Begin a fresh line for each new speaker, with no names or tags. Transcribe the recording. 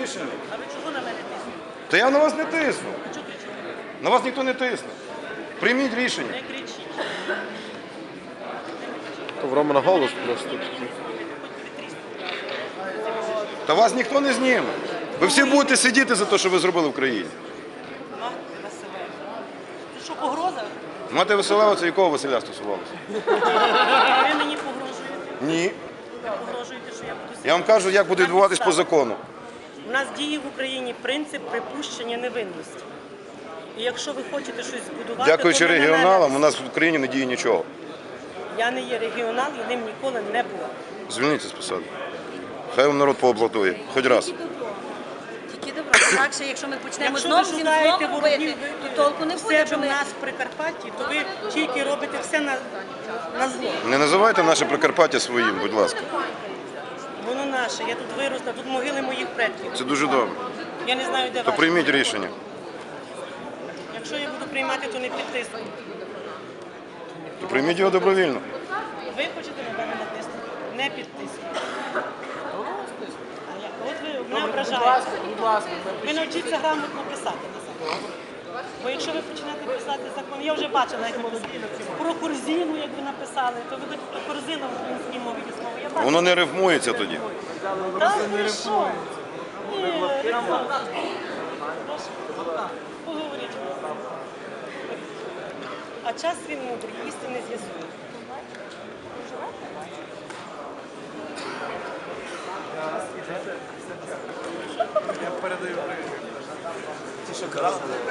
рішення.
А ви чого на мене тиснете?
Та я на вас не тисну.
А чого кричите?
На вас ніхто не тисне. Прийміть рішення.
Не кричіть.
То в Романа голос просто такий.
Та вас ніхто не зніме. Ви всі будете сидіти за те, що ви зробили в країні.
Мати Василева. Це що, погроза?
Мати Василева, це якого Василя стосувалося?
Ви мені погрожуєте?
Ні.
Ви погрожуєте, що я буду сидіти?
Я вам кажу, як буде відбуватись по закону.
У нас діє в Україні принцип припущення невинності. І якщо ви хочете щось збудувати,
Дякуючи
то не на мене.
регіоналам, у нас в Україні не діє нічого.
Я не є регіонал і ним ніколи не була.
Звільніться з посади. Хай вам народ поаплодує. Хоч раз.
Тільки добро. Інакше, якщо ми почнемо
Якщо
знову
ви
всім
шукаєте
знову
ворогів
робити, то толку не
в
буде.
себе в нас в Прикарпатті, то ви тільки робите все на зло.
Не називайте наше Прикарпаття своїм, будь ласка.
Воно наше, я тут виросла, тут могили моїх предків.
Це дуже добре.
Я не знаю, де
То
ваші.
прийміть рішення.
Якщо я буду приймати, то не підтисну.
То прийміть його добровільно.
Ви хочете на мене натиснути? Не підтиснути. От ви мене ображаєте. Ви навчіться грамотно писати. Бо якщо ви почнете писати закон, я вже бачила, як ви про корзину, як ви написали, то ви хоч про корзину в українській мові слово. Я бачила.
Воно не рифмується тоді.
Так, ви що? Ні, поговоріть. А час він мудрий, істини з'ясує.
Я передаю.